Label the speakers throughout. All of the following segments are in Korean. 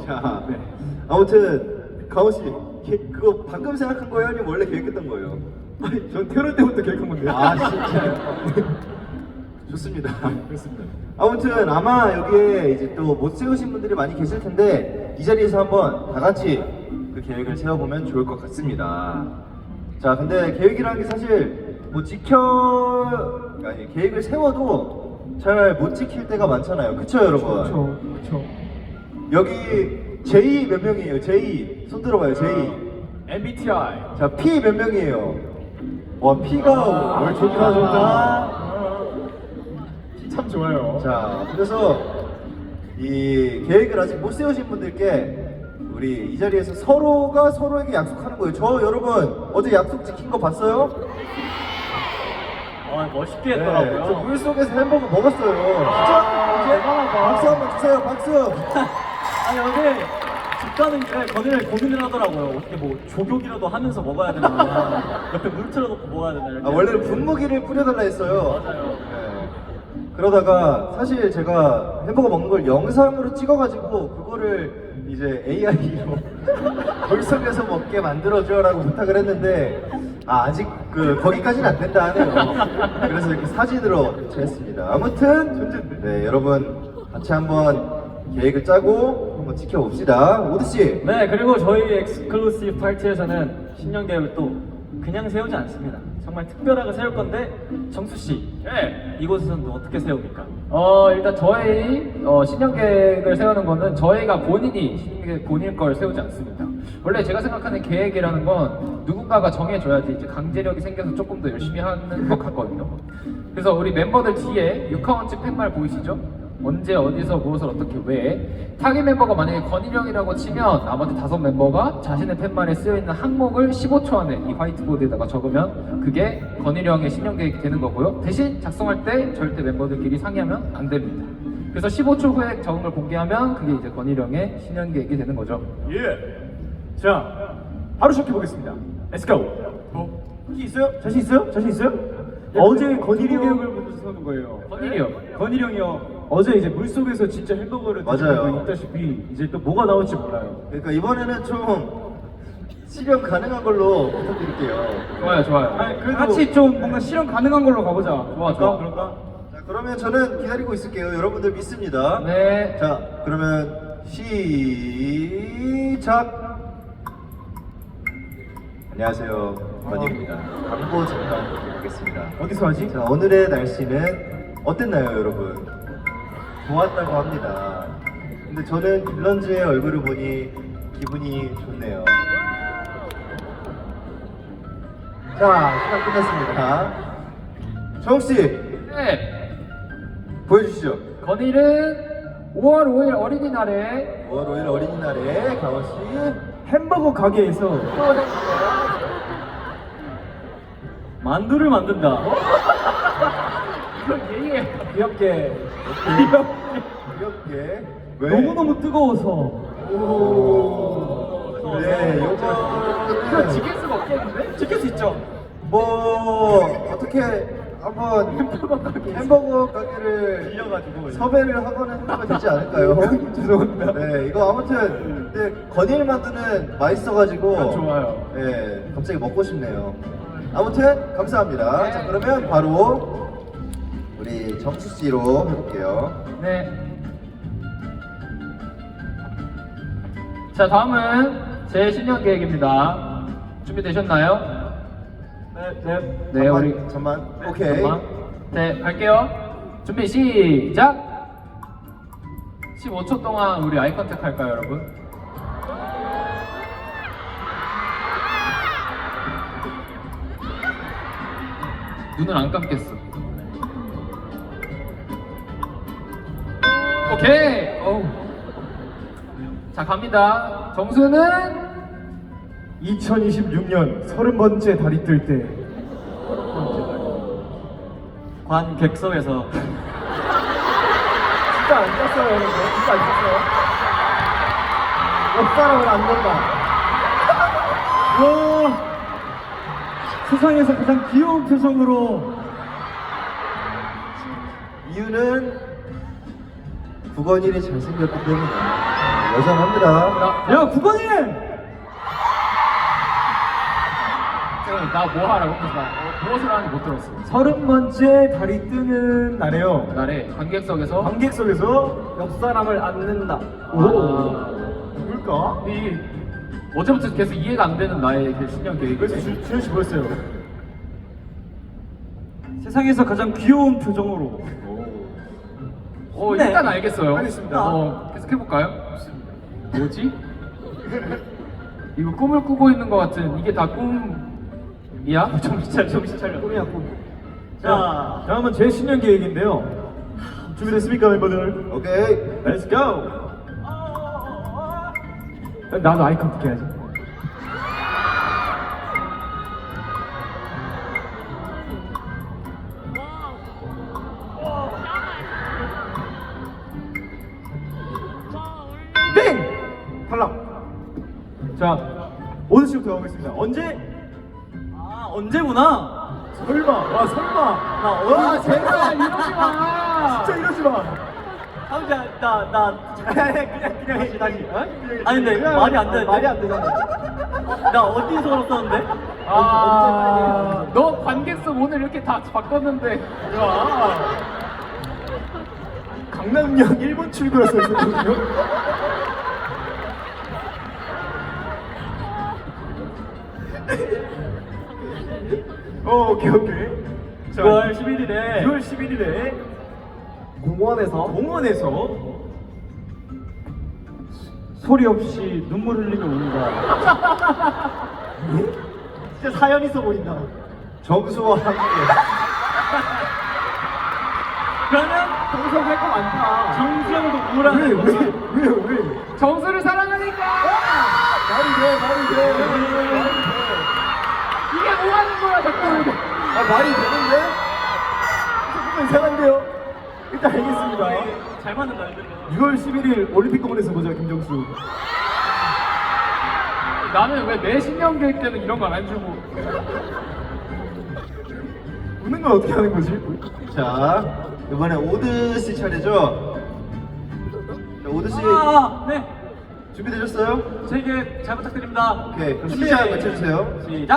Speaker 1: 자,
Speaker 2: 네.
Speaker 1: 아무튼 가오 씨, 그거 방금 생각한 거예요, 아니면 원래 계획했던 거예요?
Speaker 2: 아니, 전 태어날 때부터 계획한 건데요.
Speaker 1: 아, 진짜요? 좋습니다.
Speaker 2: 그렇습니다.
Speaker 1: 아무튼 아마 여기에 이제 또 못 세우신 분들이 많이 계실 텐데 이 자리에서 한번 다 같이 그 계획을 세워보면 좋을 것 같습니다. 자, 근데 계획이라는 게 사실 뭐 계획을 세워도 잘 못 지킬 때가 많잖아요. 그쵸, 여러분?
Speaker 2: 그렇죠.
Speaker 1: 여기 J 몇 명이에요? J 손 들어봐요. J.
Speaker 2: MBTI.
Speaker 1: 자, P 몇 명이에요? 와, P가 뭘 좋다.
Speaker 2: 참 좋아요.
Speaker 1: 자, 그래서 이 계획을 아직 못 세우신 분들께 우리 이 자리에서 서로가 서로에게 약속하는 거예요. 저 여러분 어제 약속 지킨 거 봤어요?
Speaker 2: 멋있게
Speaker 1: 네, 저 물속에서 햄버거 먹었어요. 진짜?
Speaker 2: 대단하다.
Speaker 1: 박수 한번 주세요. 박수.
Speaker 3: 아니 어제 집 가는 길에 건이를 고민을 하더라고요. 어떻게 뭐 조격이라도 하면서 먹어야 되나, 옆에 물 틀어놓고 먹어야 되나 이렇게.
Speaker 1: 아, 원래는 분무기를 뿌려달라 했어요.
Speaker 3: 맞아요.
Speaker 1: 네. 그러다가 사실 제가 햄버거 먹는 걸 영상으로 찍어가지고 그거를 이제 AI로 물속에서 먹게 만들어줘라고 부탁을 했는데 아직 거기까지는 안 된다 하네요. 그래서 이렇게 사진으로 대체했습니다. 아무튼 네, 여러분 같이 한번 계획을 짜고 한번 지켜봅시다. 오드 씨.
Speaker 3: 네, 그리고 저희 엑스클루시브 파티에서는 신년 계획을 또 그냥 세우지 않습니다. 정말 특별하게 세울 건데, 정수 씨,
Speaker 2: 네.
Speaker 3: 이곳에서는 또 어떻게 세웁니까?
Speaker 4: 일단 저희 신년 계획을 세우는 거는 저희가 본인이 신년 계획 본인 걸 세우지 않습니다. 원래 제가 생각하는 계획이라는 건 누군가가 정해줘야지 이제 강제력이 생겨서 조금 더 열심히 하는 것 같거든요. 그래서 우리 멤버들 뒤에 6카운트 팻말 보이시죠? 언제 어디서 무엇을 어떻게 왜 타깃 멤버가 만약에 건일형이라고 치면 나머지 5멤버가 자신의 팻말에 쓰여있는 항목을 15초 안에 이 화이트보드에다가 적으면 그게 건일형의 신년 계획이 되는 거고요. 대신 작성할 때 절대 멤버들끼리 상의하면 안 됩니다. 그래서 15초 후에 적은 걸 공개하면 그게 이제 건일형의 신년 계획이 되는 거죠.
Speaker 2: 예. 자, 바로 시작해 보겠습니다. Let's go. 자신 있어요? 자신 있어요? 자신 있어요? 어제 건일이
Speaker 1: 계획을
Speaker 2: 형을 먼저 세우는 거예요.
Speaker 4: 건일이요.
Speaker 2: 건일이 형이요. 어제 이제 물 속에서 진짜 햄버거를
Speaker 1: 맞아요.
Speaker 2: 드시고 있다시피 이제 또 뭐가 나올지 몰라요.
Speaker 1: 그러니까 이번에는 좀 실현 가능한 걸로 부탁드릴게요.
Speaker 4: 좋아요.
Speaker 2: 아니, 그래도
Speaker 4: 같이 좀 뭔가 실현 가능한 걸로 가보자. 좋아.
Speaker 2: 그럴까?
Speaker 1: 자, 그러면 저는 기다리고 있을게요. 여러분들 믿습니다.
Speaker 4: 네.
Speaker 1: 자, 그러면 시작. 안녕하세요, 건일입니다. 광고 잠깐 드리겠습니다.
Speaker 2: 어디서 하지?
Speaker 1: 자, 오늘의 날씨는 어땠나요, 여러분? 좋았다고 합니다. 근데 저는 빌런즈의 얼굴을 보니 기분이 좋네요. 자, 시간 끝났습니다. 정욱씨,
Speaker 4: 네.
Speaker 1: 보여주시죠.
Speaker 4: 건일은 5월 5일 어린이날에
Speaker 1: 5월 5일 어린이날에 가오씨
Speaker 2: 햄버거 가게에서
Speaker 3: 만두를 만든다.
Speaker 4: 이걸 얘기해.
Speaker 2: 귀엽게
Speaker 1: 귀엽게 왜?
Speaker 2: 너무너무 뜨거워서
Speaker 1: 네,
Speaker 4: 이거
Speaker 1: 요거는
Speaker 4: 지킬 수가 없겠는데?
Speaker 2: 지킬 수 있죠?
Speaker 1: 뭐 어떻게 한번 햄버거 가게를
Speaker 2: 빌려가지고
Speaker 1: 섭외를 하거나 해보면 되지 않을까요?
Speaker 2: 죄송합니다.
Speaker 1: 네, 이거 아무튼 근데 건일 만두는 맛있어가지고
Speaker 2: 좋아요.
Speaker 1: 네, 갑자기 먹고 싶네요. 아무튼 감사합니다. 자, 그러면 바로 우리 정수 씨로 해볼게요.
Speaker 4: 네. 자, 다음은 제 신년 계획입니다. 준비되셨나요? 네, 우리
Speaker 1: 잠만. 오케이.
Speaker 4: 잠깐만. 네, 갈게요. 준비 시작. 15초 동안 우리 아이 컨택 할까요, 여러분? 눈을 안 감겠어. 오케이. 자, 갑니다. 정수는
Speaker 2: 2026년 30번째 달이 뜰 때
Speaker 3: 관객석에서
Speaker 2: 진짜 안 떴어요, 여러분. 진짜 안 떴어요. 옆 사람을 안 떴다. 와, 세상에서 가장 귀여운 표정으로
Speaker 1: 이유는 구건일이 잘생겼기 때문에. 여전합니다.
Speaker 2: 야 국왕님.
Speaker 4: 나 뭐 하라고? 그래서 무엇을 하는지 못 들었어.
Speaker 2: 30번째 달이 뜨는 날에요.
Speaker 4: 날에 관객석에서
Speaker 2: 관객석에서
Speaker 3: 옆 사람을 안는다.
Speaker 2: 오 뭘까?
Speaker 4: 이 어제부터 계속 이해가 안 되는 나의 그 신년 계획.
Speaker 2: 그래서 주현 씨 뭐였어요?
Speaker 3: 세상에서 가장 귀여운 표정으로. 네.
Speaker 4: 일단 알겠어요.
Speaker 2: 알겠습니다.
Speaker 4: 계속 해볼까요? 뭐지? 이거 꿈을 꾸고 있는 것 같은 이게 다 꿈이야? 정신 차려.
Speaker 2: 꿈이야 꿈. 자, 다음은 제 신년 계획인데요. 준비됐습니까 멤버들?
Speaker 1: 오케이.
Speaker 2: Let's go. 나도 아이 컨택 해야지. 땡! 탈락. 자, 오늘 씨부터 가보겠습니다. 언제?
Speaker 3: 아 언제구나.
Speaker 2: 설마. 와 설마.
Speaker 3: 나 어디
Speaker 4: 제발 이러지 마.
Speaker 2: 진짜 이러지 마.
Speaker 3: 아버지 나
Speaker 2: 그냥 해 다시. 어?
Speaker 3: 아니 근데
Speaker 2: 그냥
Speaker 3: 말이 안 되는데.
Speaker 2: 말이 안 되잖아.
Speaker 3: 나 어디서 그랬었는데?
Speaker 4: 너 관객석 오늘 이렇게 다 바꿨는데.
Speaker 2: 야. 강남역 1번 출구라서 있었거든요. 오케이. 자,
Speaker 3: 9월 11일에
Speaker 2: 9월 11일에 공원에서 소리 없이 눈물 흘리며 운다. 진짜 사연 있어 보인다.
Speaker 1: 정수와 함께.
Speaker 3: 그러면
Speaker 2: 동석 할거 많다.
Speaker 3: 정수영도 우울한
Speaker 2: 왜?
Speaker 4: 정수를 사랑하니까.
Speaker 2: 말이 돼.
Speaker 4: 이게 뭐 하는 거야 자꾸.
Speaker 2: 말이 되는데? 조금 이상한데요? 일단 알겠습니다.
Speaker 3: 잘 맞는 날들.
Speaker 2: 6월 11일 올림픽 공원에서 보자, 김정수.
Speaker 4: 나는 왜 내 신년 계획 때는 이런 거 안 주고.
Speaker 2: 웃는 건 어떻게 하는 거지?
Speaker 1: 자, 이번에 오드 씨 차례죠? 자, 오드 씨
Speaker 3: 네.
Speaker 1: 준비되셨어요?
Speaker 3: 제 얘기 잘 부탁드립니다.
Speaker 1: 오케이, 그럼
Speaker 3: 준비.
Speaker 1: 시작 외쳐주세요.
Speaker 3: 시작.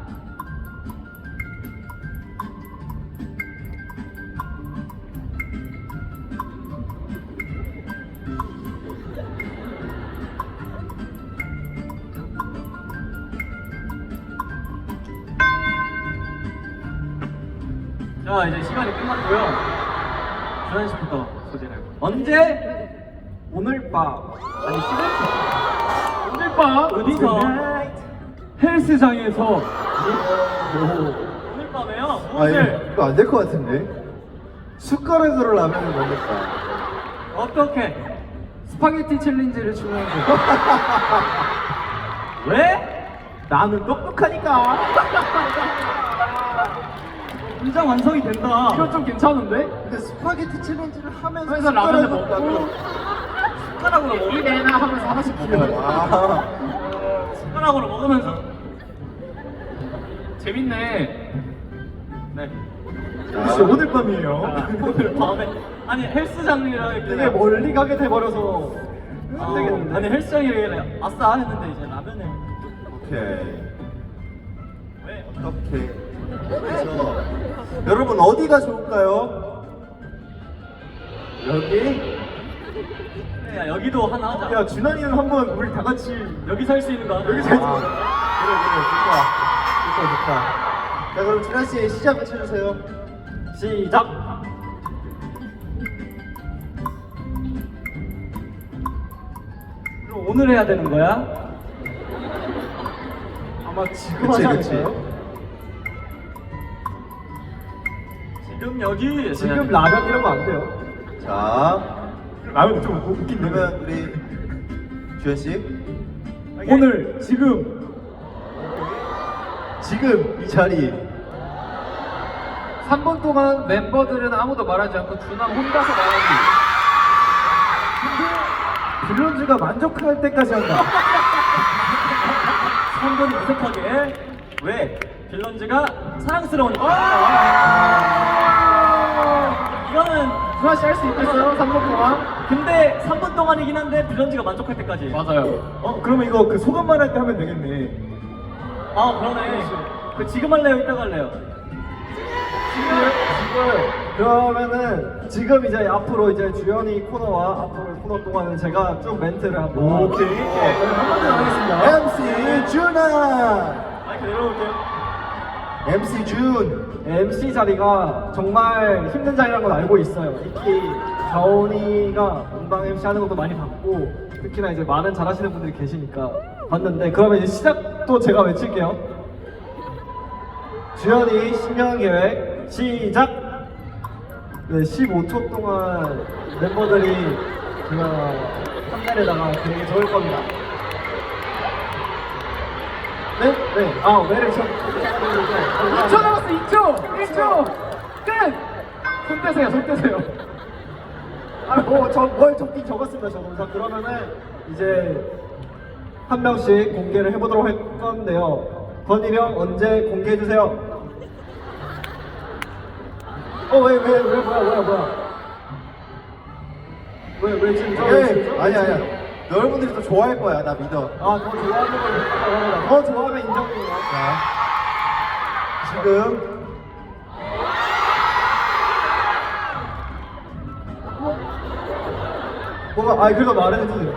Speaker 3: 자 이제 시간이 끝났고요. 주한 씨부터 소개를. 언제? 오늘 밤. 아니 시간.
Speaker 4: 오늘 밤
Speaker 3: 어디서?
Speaker 2: 헬스장에서
Speaker 3: 오늘 밤에요?
Speaker 1: 아,
Speaker 3: 무엇을?
Speaker 1: 이거 안 될 것 같은데? 숟가락으로 라면을 먹겠다.
Speaker 3: 어떻게?
Speaker 4: 스파게티 챌린지를 추천해줘.
Speaker 3: 왜?
Speaker 2: 나는 똑똑하니까.
Speaker 3: 인장 완성이 된다.
Speaker 4: 이건 좀 괜찮은데?
Speaker 1: 근데 스파게티 챌린지를 하면서
Speaker 4: 그래서 라면을
Speaker 1: 숟가락으로
Speaker 4: 먹고
Speaker 3: 숟가락으로
Speaker 4: 이
Speaker 3: 먹으면
Speaker 4: 내나 하면서 하나씩 먹어.
Speaker 1: 와.
Speaker 3: 숟가락으로 먹으면서.
Speaker 4: 재밌네.
Speaker 3: 네.
Speaker 2: 혹시 오늘 밤이에요?
Speaker 3: 자, 오늘 밤에 아니 헬스장이라
Speaker 2: 되게 멀리 가게 돼버려서 안 되겠는데.
Speaker 3: 아니 헬스장이라 아싸 했는데 이제 라면을
Speaker 1: 오케이.
Speaker 3: 왜?
Speaker 1: 어떻게? 그래서 여러분 어디가 좋을까요? 여기?
Speaker 3: 야 여기도 하나 하자.
Speaker 2: 야, 준환이는 한번 우리 다 같이
Speaker 3: 여기 살 수 있는 거 하자.
Speaker 2: 여기 살 수
Speaker 1: 아,
Speaker 2: 있는
Speaker 1: 그래, 좋다. 자, 그럼 준하 씨 시작 외쳐주세요.
Speaker 3: 시작. 그럼 오늘 해야 되는 거야?
Speaker 2: 아마 지금
Speaker 1: 그치,
Speaker 2: 하지
Speaker 1: 그치.
Speaker 2: 않을까요?
Speaker 3: 지금 여기
Speaker 2: 지금 라면 이런 거 안 돼요.
Speaker 1: 자,
Speaker 2: 라면 좀 웃긴데.
Speaker 1: 그러면 우리 주현 씨
Speaker 2: 오늘 지금
Speaker 1: 지금 이 자리
Speaker 4: 3분 동안 멤버들은 아무도 말하지 않고 준함 혼자서 말하기.
Speaker 2: 빌런즈가 만족할 때까지 한다.
Speaker 3: 3분 무색하게 왜? 빌런즈가 사랑스러우니까. 이거는
Speaker 4: 주한 씨할 수 있겠어요? 3분 동안?
Speaker 3: 근데 3분 동안이긴 한데 빌런즈가 만족할 때까지.
Speaker 4: 맞아요.
Speaker 2: 그러면 이거 그 소감만 할 때 하면 되겠네.
Speaker 3: 아 그러네. 그 지금 할래요? 이따가 할래요?
Speaker 1: 그러면은 지금 이제 앞으로 이제 주연이 코너와 앞으로 코너 동안은 제가 쭉 멘트를 한번.
Speaker 2: 오케이. 한마디 하겠습니다.
Speaker 1: MC 준아.
Speaker 3: 마이크 내려올게요.
Speaker 1: MC 준.
Speaker 5: MC 자리가 정말 힘든 자리라는 걸 알고 있어요. 특히 가온이가 본방 MC 하는 것도 많이 봤고 특히나 이제 많은 잘하시는 분들이 계시니까 봤는데 그러면 이제 시작도 제가 외칠게요. 주연이 신년 계획 시작. 네, 15초 동안 멤버들이 제가 판넬에다가 되게 적을 겁니다. 네? 네. 아, 왜를 쳐?
Speaker 4: 2초 남았어, 2초! 1초! 끝! 손 떼세요, 손 떼세요.
Speaker 5: 뭘 적긴 적었습니다, 저도. 자, 그러면은 이제 한 명씩 공개를 해보도록 할 건데요. 건일이 형 언제 공개해주세요. 뭐야. 왜 지금
Speaker 1: 아니야. 여러분들이 더 좋아할 거야. 나 믿어.
Speaker 5: 더 좋아하는 걸 더 좋아하면 인정입니다.
Speaker 1: 지금
Speaker 5: 그래도 말해주세요.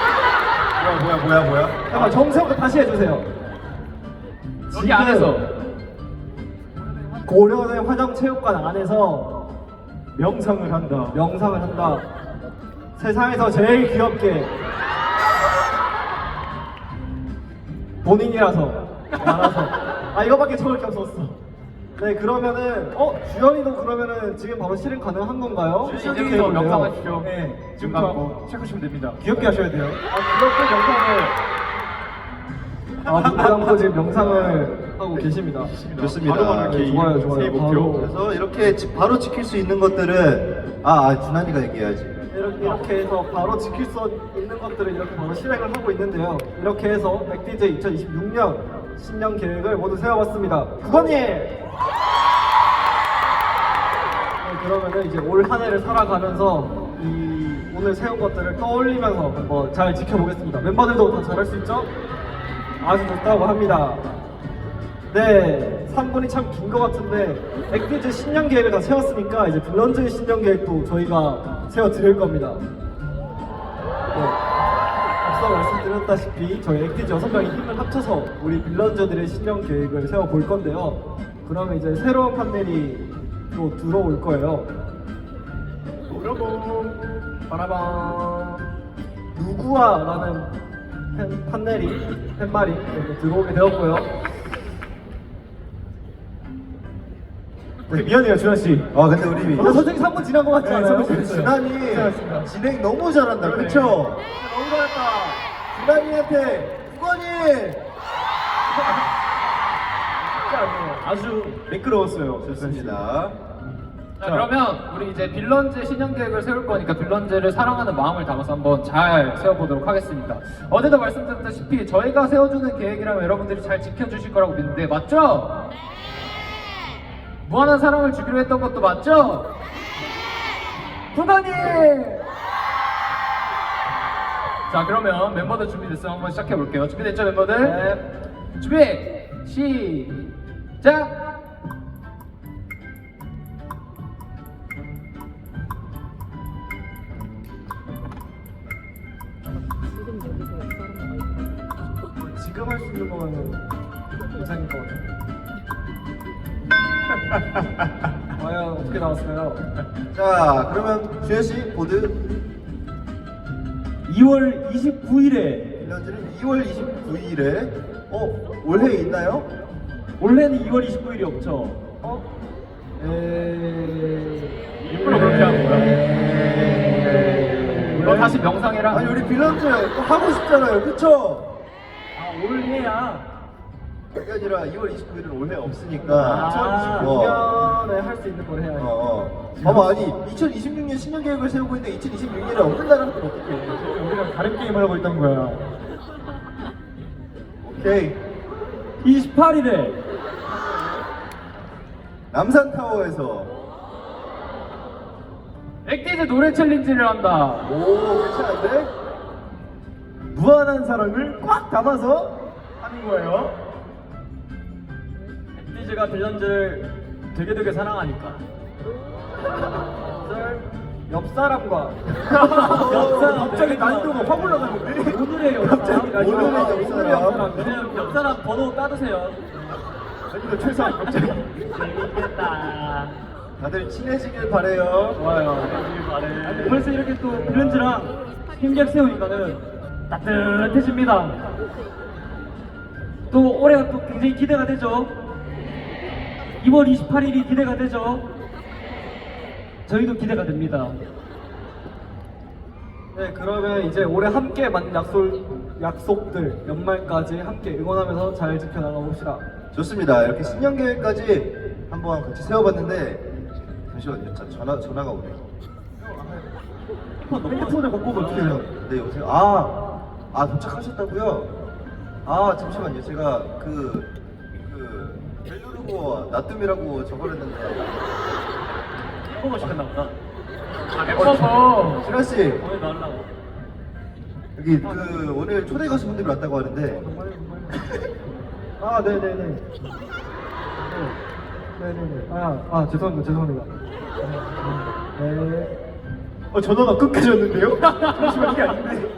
Speaker 1: 뭐야?
Speaker 5: 잠깐, 정세부터 다시 해주세요.
Speaker 4: 여기 안에서.
Speaker 5: 고려대 화정체육관 안에서
Speaker 2: 명상을 한다.
Speaker 5: 명상을 한다. 세상에서 제일 귀엽게 본인이라서 알아서 이거밖에 적을 게 없었어. 네, 그러면은 주연이도 그러면은 지금 바로 실행 가능한 건가요?
Speaker 4: 이제부터 명상하십시오.
Speaker 2: 네,
Speaker 4: 눈
Speaker 2: 지금부터
Speaker 4: 감고.
Speaker 2: 시작하시면 됩니다. 귀엽게 하셔야 돼요.
Speaker 5: 그렇게 눈 감고 지금 명상을 하고 계십니다.
Speaker 1: 좋습니다.
Speaker 5: 네, 좋아요.
Speaker 2: 새해 목표.
Speaker 1: 그래서 이렇게 바로 지킬 수 있는 것들은 준환이가 얘기해야지.
Speaker 5: 이렇게 해서 바로 지킬 수 있는 것들을 이렇게 바로 실행을 하고 있는데요. 이렇게 해서 맥디제 2026년 신년 계획을 모두 세워봤습니다. 국원님! 네, 그러면은 이제 올 한 해를 살아가면서 이 오늘 세운 것들을 떠올리면서 한번 잘 지켜보겠습니다. 멤버들도 다 잘할 수 있죠? 아주 좋다고 합니다. 네, 3분이 참 긴 것 같은데 액티즈 신년 계획을 다 세웠으니까 이제 빌런즈의 신년 계획도 저희가 세워드릴 겁니다. 네, 앞서 말씀드렸다시피 저희 액티즈 6명이 힘을 합쳐서 우리 빌런즈들의 신년 계획을 세워볼 건데요. 그러면 이제 새로운 판넬이 또 들어올 거예요.
Speaker 4: 바라밤.
Speaker 5: 누구와라는 팻말이 들어오게 되었고요.
Speaker 2: 미안해요, 준하 씨.
Speaker 1: 근데 우리
Speaker 5: 솔직히 3분 지난 것 같지 않아요?
Speaker 1: 준환이 진행 너무 잘한다. 그쵸?
Speaker 5: 너무 잘했다.
Speaker 1: 준환이한테 국원이
Speaker 2: 아주 매끄러웠어요.
Speaker 1: 좋습니다.
Speaker 4: 자, 그러면 우리 이제 빌런즈 신년 계획을 세울 거니까 빌런즈를 사랑하는 마음을 담아서 한번 잘 세워보도록 하겠습니다. 어제도 말씀드렸다시피 저희가 세워주는 계획이라면 여러분들이 잘 지켜주실 거라고 믿는데 맞죠? 무한한 사랑을 주기로 했던 것도 맞죠? 부단님! 자, 그러면 멤버들 준비됐으면 한번 시작해볼게요. 준비됐죠, 멤버들?
Speaker 5: 네.
Speaker 4: 준비! 시작!
Speaker 5: 지금 할 수 있는 거면은 괜찮을 것 같아요. 과연 어떻게 나왔어요?
Speaker 1: 자, 그러면 주현 씨 보드
Speaker 3: 2월 29일에
Speaker 1: 빌런즈는 2월 29일에 올해 있나요?
Speaker 3: 원래는 2월 29일이 없죠.
Speaker 4: 일부러 그렇게 하는 거야? 너 다시 명상해라.
Speaker 1: 아니 우리 빌런즈 또 하고 싶잖아요, 그쵸?
Speaker 3: 올해야.
Speaker 1: 그게 아니라 2월 29일은 올해 없으니까.
Speaker 5: 2026년에 할 수 있는 걸 해야지.
Speaker 1: 봐봐, 아니 2026년 신년 계획을 세우고 있는데 2026년에 없는 날은 또 어떻게 해?
Speaker 2: 우리랑 다른 게임을 하고 있던 거야.
Speaker 1: 오케이.
Speaker 3: 28일에
Speaker 1: 남산타워에서
Speaker 4: 액티즈 노래 챌린지를 한다.
Speaker 1: 오, 괜찮은데?
Speaker 2: 무한한 사랑을 꽉 담아서 하는 거예요.
Speaker 3: 엔티즈가 빌런즈를 되게 사랑하니까.
Speaker 5: 옆 사람과
Speaker 2: 갑자기 난이도가 확 올라가는데.
Speaker 3: 오늘의 옆사람.
Speaker 1: 오늘의 옆사람.
Speaker 3: 그냥 옆사람 번호 따두세요.
Speaker 2: 아니 이거 최소한 갑자기.
Speaker 3: 재밌겠다.
Speaker 1: 다들 친해지길 바래요.
Speaker 3: 좋아요. 아니, 벌써 이렇게 또 빌런즈랑 힘겹 세우니까는 따뜻해집니다. 또 올해가 또 굉장히 기대가 되죠. 2월 28일이 기대가 되죠. 저희도 기대가 됩니다.
Speaker 5: 네, 그러면 이제 올해 함께 만든 약속들 연말까지 함께 응원하면서 잘 지켜나가 봅시다.
Speaker 1: 좋습니다. 이렇게 신년 계획까지 한번 같이 세워봤는데 잠시만요. 전화가 오네요.
Speaker 2: 핸드폰을 갖고 오면 어떻게 해요?
Speaker 1: 네, 여보세요. 도착하셨다고요? 잠시만요. 제가 벨루르고 나뜸이라고 적어냈는데.
Speaker 3: 햄버거 시켰나 보다.
Speaker 4: 멤버서
Speaker 1: 신하 씨,
Speaker 3: 오늘 나오려고.
Speaker 1: 여기 오늘 초대 가수분들이 왔다고 하는데
Speaker 5: 네네네. 네네네. 죄송합니다. 네.
Speaker 2: 전화가 끝까지 왔는데요? 잠시만 이게 아닌데.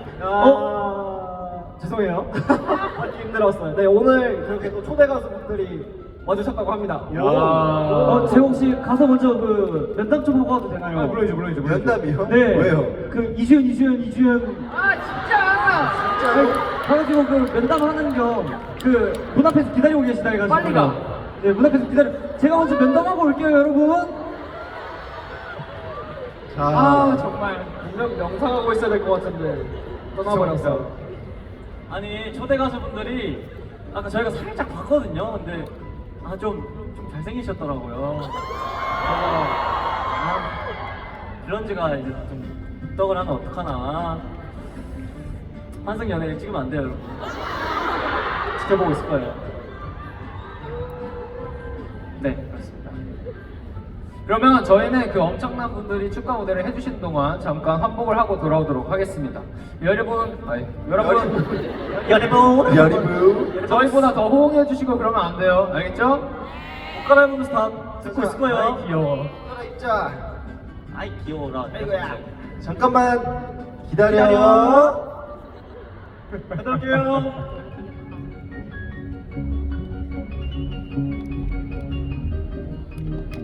Speaker 5: 죄송해요. 받기 힘들었어요. 네, 오늘 그렇게 또 초대 가수분들이 와주셨다고 합니다.
Speaker 3: 제가 혹시 가서 먼저 면담 좀 하고 와도 되나요?
Speaker 2: 물론이죠.
Speaker 1: 면담이요?
Speaker 3: 네.
Speaker 1: 왜요?
Speaker 3: 이주연.
Speaker 4: 아 진짜.
Speaker 3: 가가지고 면담하는 겸 문 앞에서 기다리고 계시다 해가지고.
Speaker 4: 빨리 가.
Speaker 3: 네, 문 앞에서 제가 먼저 면담하고 올게요, 여러분.
Speaker 4: 아 정말.
Speaker 5: 분명 명상하고 있어야 될 것 같은데 떠나버렸어.
Speaker 3: 아니 초대 가수분들이 아까 저희가 살짝 봤거든요. 근데 좀 잘생기셨더라고요. 그래서 빌런즈가 이제 좀 떡을 하면 어떡하나. 환승 연애를 찍으면 안 돼요, 여러분. 지켜보고 있을 거예요. 네, 그렇습니다.
Speaker 4: 그러면 저희는 그 엄청난 분들이 축하 무대를 해주시는 동안 잠깐 환복을 하고 돌아오도록 하겠습니다. 여러분,
Speaker 1: 여리부.
Speaker 4: 저희보다 더 호응해 주시고 그러면 안 돼요. 알겠죠?
Speaker 3: 옷 갈아입으면서 다 듣고 있을 거예요.
Speaker 4: 아이, 귀여워.
Speaker 1: 있자.
Speaker 3: 아이 귀여워라.
Speaker 1: 잠깐만 기다려.
Speaker 3: 갔다 올게요.